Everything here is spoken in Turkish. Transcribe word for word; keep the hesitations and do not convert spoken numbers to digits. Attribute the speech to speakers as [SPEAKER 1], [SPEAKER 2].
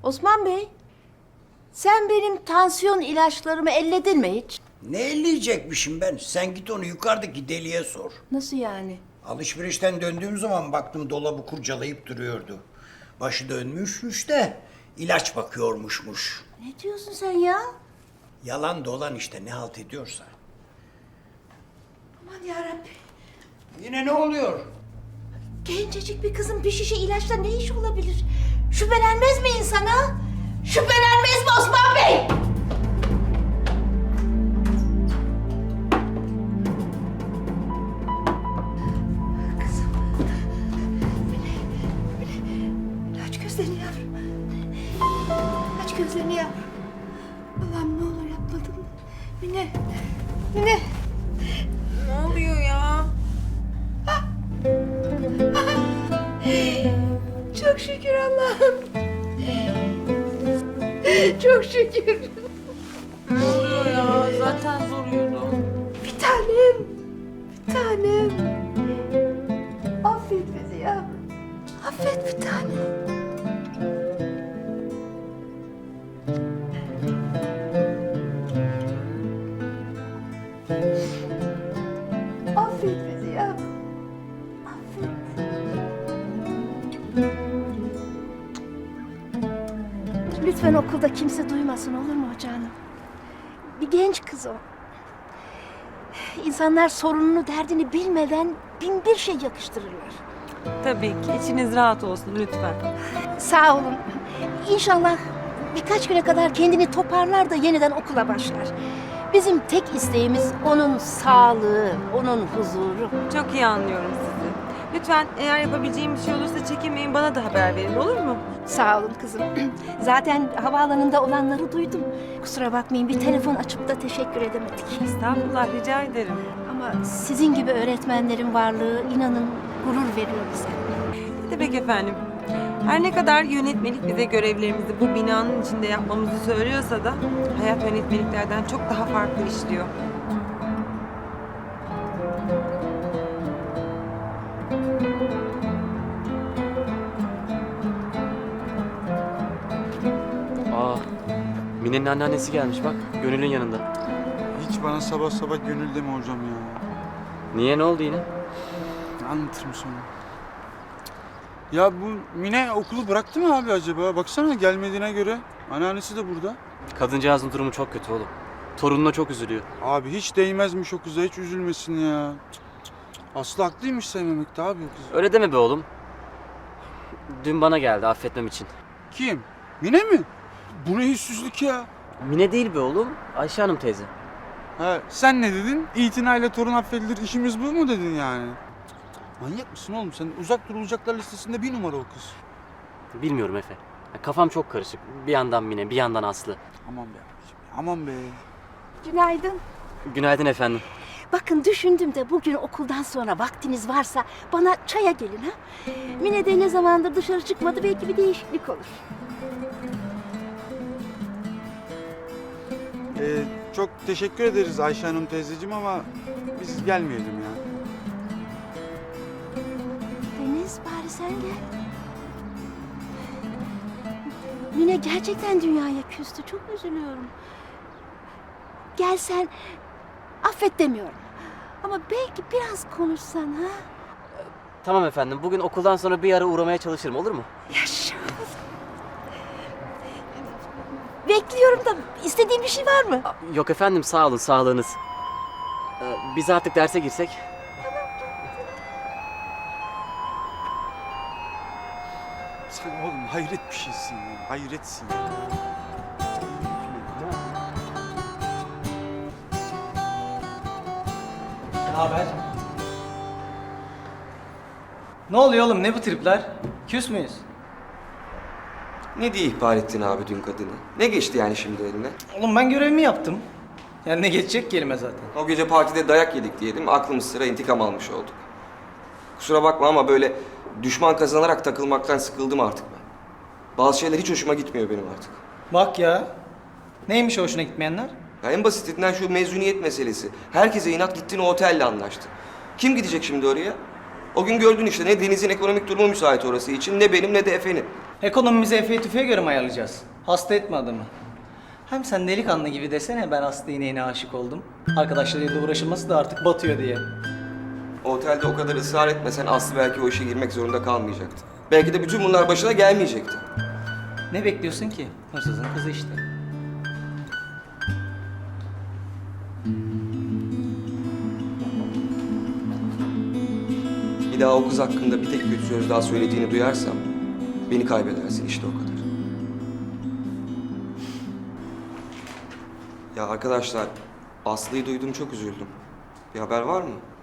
[SPEAKER 1] Osman Bey, sen benim tansiyon ilaçlarımı elledin mi hiç?
[SPEAKER 2] Ne elleyecekmişim ben? Sen git onu yukarıdaki deliye sor.
[SPEAKER 1] Nasıl yani?
[SPEAKER 2] Alışverişten döndüğüm zaman baktım dolabı kurcalayıp duruyordu. Başı dönmüşmüş de ilaç bakıyormuşmuş.
[SPEAKER 1] Ne diyorsun sen ya?
[SPEAKER 2] Yalan dolan işte ne halt ediyorsa.
[SPEAKER 1] Aman yarabbim.
[SPEAKER 2] Yine ne oluyor?
[SPEAKER 1] Gencecik bir kızın bir şişe ilaçla ne iş olabilir? Şüphelenmez mi insana? Şüphelenmez mi Osman Bey? Kızım. Mine, Mine. Aç gözlerini yavrum. Aç gözlerini yavrum. Allah'ım ne olur yapmadım. Mine, Mine.
[SPEAKER 3] Ne oluyor ya?
[SPEAKER 1] Çok şükür Allah'ım. Çok şükür.
[SPEAKER 3] Ne oluyor ya? Zaten zor uyudum.
[SPEAKER 1] Bir tanem. Bir tanem. Affet bizi yavrum. Affet bir tanem. Affet bizi yavrum. Affet. Lütfen okulda kimse duymasın olur mu canım? Bir genç kız o. İnsanlar sorununu, derdini bilmeden bin bir şey yakıştırırlar.
[SPEAKER 3] Tabii ki. İçiniz rahat olsun lütfen.
[SPEAKER 1] Sağ olun. İnşallah birkaç güne kadar kendini toparlar da yeniden okula başlar. Bizim tek isteğimiz onun sağlığı, onun huzuru.
[SPEAKER 3] Çok iyi anlıyorum sizi. Lütfen eğer yapabileceğim bir şey olursa çekinmeyin, bana da haber verin, olur mu?
[SPEAKER 1] Sağ olun kızım. Zaten havaalanında olanları duydum. Kusura bakmayın bir telefon açıp da teşekkür edemedik.
[SPEAKER 3] Estağfurullah, rica ederim.
[SPEAKER 1] Ama sizin gibi öğretmenlerin varlığı inanın gurur veriyor bize.
[SPEAKER 3] Ne demek efendim? Her ne kadar yönetmelik bize görevlerimizi bu binanın içinde yapmamızı söylüyorsa da hayat yönetmeliklerden çok daha farklı işliyor.
[SPEAKER 4] Aa, Mine'nin anneannesi gelmiş bak, Gönül'ün yanında.
[SPEAKER 5] Hiç bana sabah sabah gönül deme hocam ya.
[SPEAKER 4] Niye, ne oldu yine?
[SPEAKER 5] Anlatırım sonra. Ya bu Mine okulu bıraktı mı abi acaba? Baksana gelmediğine göre. Anneannesi de burada.
[SPEAKER 4] Kadıncağızın durumu çok kötü oğlum. Torununa çok üzülüyor.
[SPEAKER 5] Abi hiç değmezmiş o kıza, hiç üzülmesin ya. Cık, cık, cık. Aslı haklıymış sevmemekte abi o kızı.
[SPEAKER 4] Öyle deme be oğlum. Dün bana geldi affetmem için.
[SPEAKER 5] Kim? Mine mi? Bu ne yüzsüzlük ya?
[SPEAKER 4] Mine değil be oğlum, Ayşe Hanım teyze.
[SPEAKER 5] Ha, sen ne dedin? İtinayla torun affedilir, işimiz bu mu dedin yani? Manyak mısın oğlum sen? Uzak durulacaklar listesinde bir numara o kız.
[SPEAKER 4] Bilmiyorum Efe. Ya kafam çok karışık. Bir yandan Mine, bir yandan Aslı.
[SPEAKER 5] Aman be abiciğim, aman be.
[SPEAKER 1] Günaydın.
[SPEAKER 4] Günaydın efendim.
[SPEAKER 1] Bakın düşündüm de bugün okuldan sonra vaktiniz varsa bana çaya gelin ha. Mine de ne zamandır dışarı çıkmadı, belki bir değişiklik olur.
[SPEAKER 5] Ee, çok teşekkür ederiz Ayşe Hanım teyzeciğim ama biz gelmeyelim ya.
[SPEAKER 1] Deniz bari sen gel. Mine gerçekten dünyaya küstü, çok üzülüyorum. Gelsen affet demiyorum. Ama belki biraz konuşsan ha.
[SPEAKER 4] Tamam efendim, bugün okuldan sonra bir ara uğramaya çalışırım, olur mu?
[SPEAKER 1] Yaşa. Bekliyorum da istediğin bir şey var mı?
[SPEAKER 4] Yok efendim, sağ olun, sağlığınız. Ee, biz artık derse girsek.
[SPEAKER 5] Sen oğlum hayret bir şeysin ya, hayretsin ya.
[SPEAKER 6] Ne haber? Ne oluyor oğlum, ne bu tripler? Küs müyüz?
[SPEAKER 7] Ne diye ihbar ettin abi dün kadını? Ne geçti yani şimdi eline?
[SPEAKER 6] Oğlum ben görevimi yaptım. Yani ne geçecek kelime zaten.
[SPEAKER 7] O gece partide dayak yedik diyelim, aklımız sıra intikam almış olduk. Kusura bakma ama böyle düşman kazanarak takılmaktan sıkıldım artık ben. Bazı şeyler hiç hoşuma gitmiyor benim artık.
[SPEAKER 6] Bak ya. Neymiş o hoşuna gitmeyenler?
[SPEAKER 7] Ya en basitinden şu mezuniyet meselesi. Herkese inat gittin o otelle anlaştı. Kim gidecek şimdi oraya? O gün gördün işte, ne Deniz'in ekonomik durumu müsait orası için, ne benim ne de Efe'nin.
[SPEAKER 6] Ekonomimizi Efe'ye tüfeğe göre mi ayarlayacağız? Hasta etme adamı. Hem sen delikanlı gibi desene ben Aslı ineğine aşık oldum. Arkadaşlarıyla uğraşılması da artık batıyor diye.
[SPEAKER 7] O otelde o kadar ısrar etmesen Aslı belki o işe girmek zorunda kalmayacaktı. Belki de bütün bunlar başına gelmeyecekti.
[SPEAKER 6] Ne bekliyorsun ki? Hırsızın kızı işte.
[SPEAKER 7] Bir daha o kız hakkında bir tek kötü söz daha söylediğini duyarsam beni kaybedersin işte o kadar. Ya arkadaşlar, Aslı'yı duydum çok üzüldüm. Bir haber var mı?